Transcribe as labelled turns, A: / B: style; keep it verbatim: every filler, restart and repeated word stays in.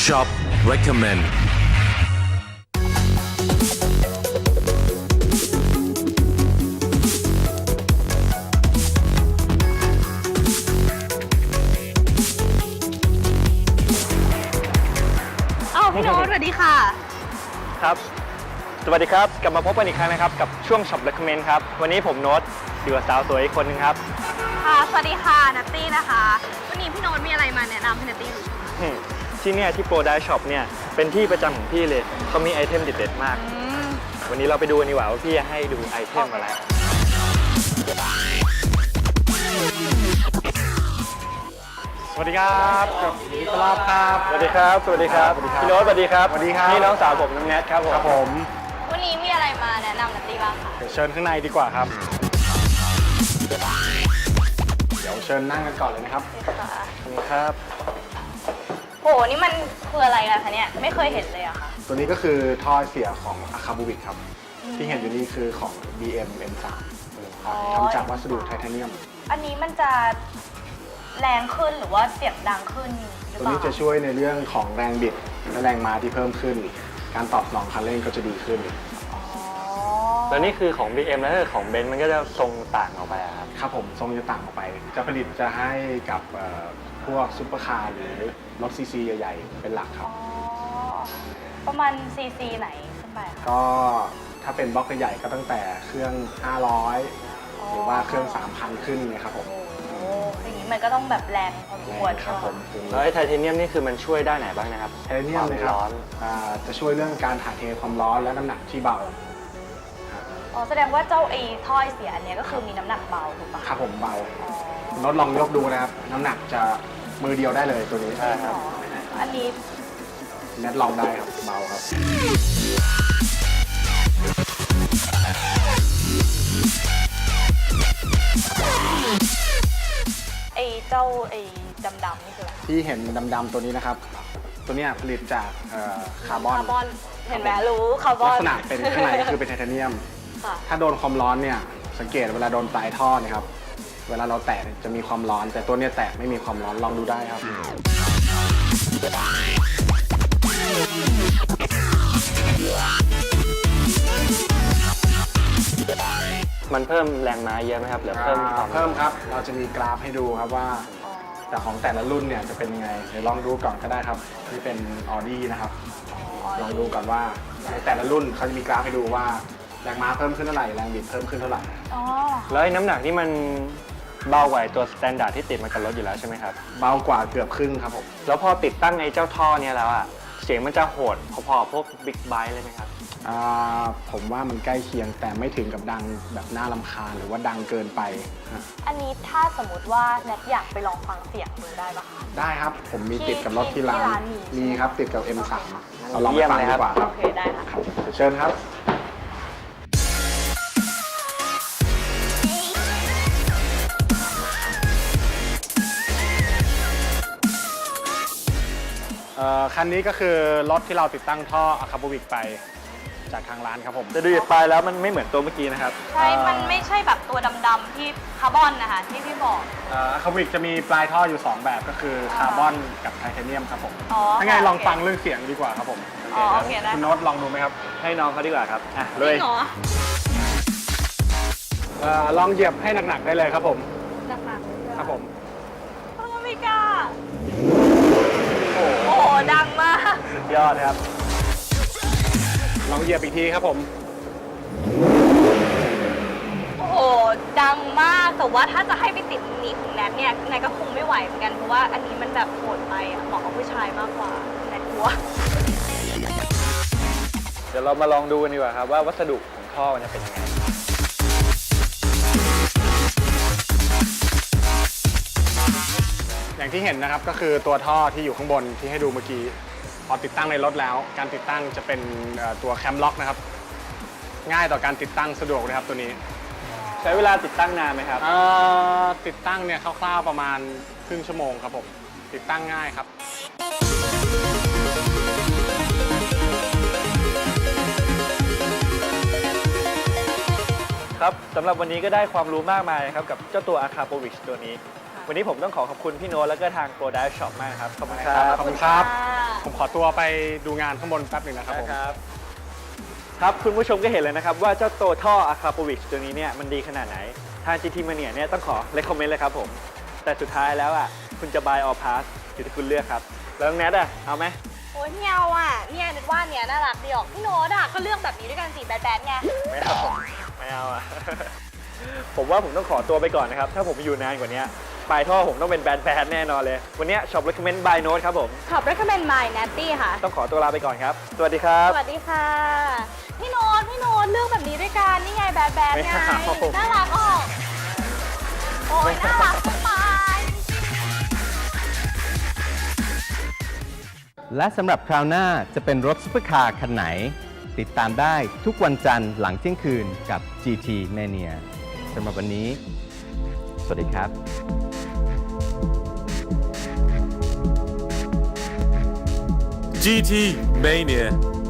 A: Shop Recommend
B: อ้าวพี่โน้ตสวัสดีค่ะ
C: ครับ สวัสดีครับ กลับมาพบกันอีกครั้งนะครับกับช่วง Shop Recommend ครับ วันนี้ผมโน้ตอยู่กับสาวสวยอีกคนนึงครับ
B: ค่ะ สวัสดีค่ะนัตตี้นะคะ วันนี้พี่โน้ตมีอะไรมาแนะนำให้นัตตี้ดู
C: อืมที่เนี่ยที่โปรไดช็อปเนี่ยเป็นที่ประจำของพี่เลยเขามีไอเทมเด็ดๆมาก
B: อืม
C: วันนี้เราไปดูกันดีกว่าว่าพี่จะให้ดูไอเทมอะไร สวัสดีครับสวัสดีครับครับสวัสดีครับ สวัสดีครับ พี่โน้ตสวัสดีครับ สวัสดีครับ นี่น้องสาวผมน้องแนทครับผม
D: ครับผม
B: วันนี้มีอะไรมาแนะนำนัตตี้บ้างคะ
D: เดี๋ยวเชิญข้างในดีกว่าครับ เดี๋ยวเชิญนั่งกันก่อนเลยนะครับ
B: ค่ะ
C: ขอบคุณครับ
B: โห นี่มันคืออะไรกันคะเนี่ย ไม่เคยเห็นเลยอะค่ะ
D: ตัวนี้ก็คือท่อเสียของอาคาบูบิกครับ ที่เห็นอยู่นี่คือของ บี เอ็ม เอ็ม สาม
B: อ๋อ
D: ทำจากวัสดุไทเทเนียม
B: อันนี้มันจะแรงขึ้นหรือว่าเสียงดังขึ้นหรือ
D: ตัว
B: เปล่า
D: นี้จะช่วยในเรื่องของแรงบิดและแรงม้าที่เพิ่มขึ้น การตอบสนองคันเร่งก็จะดีขึ้น
B: อ๋อ
C: แล้วนี่คือของ บี เอ็ม แล้วถ้าของเบนซ์มันก็จะทรงต่างออกไปอะครับ
D: ครับผมทรงจะต่างออกไป จะผลิตจะให้กับเอ่อพวกซุปเปอร์คาร์หรือรถซีซีใหญ่ๆ เป็นหลักครั
B: อ๋
D: บ
B: อ ประมาณซีซีไหนขึ้นไปคะ
D: ก็ถ้าเป็นบล็อกใหญ่ๆก็ตั้งแต่เครื่อง ห้าร้อย หรือว่าเครื่อง สามพัน ขึ้นเนี่ยครับผม
B: โอ้โหอย่างนี้มันก็ต้องแบบแรงพอสมควร
D: ครับผม
C: แล้วไอ้ไทเทเนียมนี่คือมันช่วยได้ไหนบ้างนะครับ
D: ไทเทเนียมนะครับ
C: วาร้อน
D: อ่าจะช่วยเรื่องการถ่ายเทความร้อนและน้ำหนักที่เบา
B: อ๋อ แสดงว่าเจ้าไอ้ถ้อยเสียอันเนี้ยก็คือมีน้ำหนักเบาถูกปะ
D: ครับผมเบา
B: อ๋อ
D: โน้ตลองยกดูนะครับ น้ำหนักจะมือเดียวได้เลยตัวนี้
C: ใช่ครับ
B: อันนี้
D: แนทลองได้ครับเบาครับ
B: ไอ้เจ้าไอ้ดำๆนี่คืออะไร
D: ที่เห็นดำๆตัวนี้นะครับ ตัวเนี้ยผลิตจากเอ่อคาร์บอน
B: คาร์บอน เห็นไหมรู้คาร์บอ
D: ลั
B: น
D: กษณะเป็นข้างในคือเป็นไทเทเนียม
B: ค่ะ
D: ถ้าโดนความร้อนเนี่ยสังเกตเวลาโดนปลายท่อเนี่ยครับเวลาเราแตะเนี่ยจะมีความร้อน แต่ตัวเนี้ยแตะไม่มีความร้อนลองดูได้ครับ
C: มันเพิ่มแรงม้าเยอะไหมครับหรือเพิ่มความ
D: เพิ่มครับ เราจะมีกราฟให้ดูครับว่าแต่ของแต่ละรุ่นเนี่ยจะเป็นยังไงเดี๋ยวลองดูก่อนก็ได้ครับที่เป็น Audi นะครับลองดูก่อนว่าในแต่ละรุ่นเขาจะมีกราฟให้ดูว่าแรงม้าเพิ่มขึ้นเท่าไหร่แรงบิดเพิ่มขึ้นเท่าไหร่
B: อ๋อ
C: แล้วไอ้น้ำหนักนี่มันเบากว่าไอ้ตัวสแตนดาร์ดที่ติดมากับรถอยู่แล้วใช่ไหมครับ
D: เบากว่าเกือบครึ่งครับผม
C: แล้วพอติดตั้งไอ้เจ้าท่อเนี่ยแล้วอะเสียงมันจะโหดพอๆพวกบิ๊กไบค์เลยไหมครับ
D: อ่าผมว่ามันใกล้เคียงแต่ไม่ถึงกับดังแบบน่ารำคาญหรือว่าดังเกินไปฮะ
B: อันนี้ถ้าสมมติว่าแนทอยากไปลองฟังเสียงดูได้ปะคะ
D: ได้ครับผมมี
B: ที่
D: ติดกับรถที่ร้า
B: ที่ร้าน
D: น
B: มี
D: มีครับติดกับ เอ็ม สาม เราลอง
C: เยี่
D: ไป
C: ยม
D: ฟัง
C: เลย
D: ดี
C: ครับ
D: กว่าครับ
B: โอเคได้ค่ะ
D: ครับเดี๋ยวเชิญครับ เอ่อคันนี้ก็คือรถที่เราติดตั้งท่ออะคาบูบิกไปจากทางร้านครับผม
C: แต่ดูจากปลายแล้วมันไม่เหมือนตัวเมื่อกี้นะครับ
B: ใช่ มันไม่ใช่แบบตัวดำๆที่คาร์บอนนะคะที่พี่บอก
D: อะคาบูบิกจะมีปลายท่ออยู่ สอง แบบก็คือคาร์บอนกับไทเทเนียมครับผม
B: อ๋อ
D: ถ้าไง
B: ค่ะ
D: ลอง
B: โอเค
D: ฟังเรื่องเสียงดีกว่าครับผม
B: อ๋อโอเคได้
D: คุณโน้ตลองดูไหมครับ
C: ให้น้องเขาดีกว่าครับอ่ะเล
B: จ
C: ย
B: ริงเหรอ
D: เอ่อลองเหยียบให้หนักๆได้เลยครับผม
B: หนักๆ
D: ครับผม
B: โอ้ไม่กล้าโอ้โหดังมาก
C: สุดยอดครับ
D: ลองเหยียบอีกทีครับผม
B: โอ้โห ดังมาก แต่ว่าถ้าจะให้ไปติดหนีของแนทเนี่ยแนทก็คงไม่ไหวเหมือนกัน เพราะว่าอันนี้มันแบบโหดไปอะเหมาะกับผู้ชายมากกว่าแนทกลัว
C: เดี๋ยวเรามาลองดูกันดีกว่าครับว่าวัสดุของท่อมันจะเป็นยังไง
D: อย่างที่เห็นนะครับก็คือตัวท่อที่อยู่ข้างบนที่ให้ดูเมื่อกี้พอติดตั้งในรถแล้ว การติดตั้งจะเป็นเอ่อตัวแคมล็อกนะครับ ง่ายต่อการติดตั้งสะดวกเลยครับตัวนี้
C: ใช้เวลาติดตั้งนานไหมครับ
D: เอ่อติดตั้งเนี่ยคร่าวๆประมาณครึ่งชั่วโมงครับผมติดตั้งง่ายครับ
C: ครับสำหรับวันนี้ก็ได้ความรู้มากมายนะครับกับเจ้าตัว Akapovic ตัวนี้วันนี้ผมต้องขอขอบคุณพี่โน้ตแล้วก็ทาง Pro Dive Shop มากครับ ขอบคุณครั
D: ขอบคุณครับ
B: ะ
D: ผมขอตัวไปดูงานข้างบนแป๊บหนึ่งนะครับผม
C: ครับครับคุณผู้ชมก็เห็นเลยนะครับว่าเจ้าตัวท่อ Akrapovic ตัวนี้เนี่ยมันดีขนาดไหน ทาง จี ที Mania เนี่ยต้องขอ recommend เลยครับผม แต่สุดท้ายแล้วอ่ะคุณจะ buy or pass อยู่ที่คุณเลือกครับ แล้วน้องแนทอ่ะเอาไหม
B: โอ้ยไม่เอาอ่ะเนี่ยนึกว่าเนี่ยน่ารักดีออกพี่โน้ตอ่ะก็เลือกแบบนี้ด้วยกันสิแบดๆไง
C: ไม่เอาไม่เอาอ่ะ ผมว่าผมต้องขอตัวไปก่อนนะครับ ถ้าผมอยู่นานกว่านี้ปลายท่อผมต้องเป็นแบนๆแน่นอนเลย วันนี้ Shop Recommend by Note ครับผม
B: ขอบ recommend my Natty ค่ะ
C: ต้องขอตัวลาไปก่อนครับ สวัสดีครับ
B: สวัสดีค่ะ พี่โน้ตพี่โน้ตเลือกแบบนี้ด้วยกันนี่ไงแบดแบด
C: ไม่
B: ไง
C: เอา
B: น่ารักออกโอ้ยน่ารักมาก
A: และสำหรับคราวหน้าจะเป็นรถซุปเปอร์คาร์คันไหน ติดตามได้ทุกวันจันทร์หลังเที่ยงคืนกับ จี ที Mania สำหรับวันนี้ สวัสดีครับ
E: จี ที Mania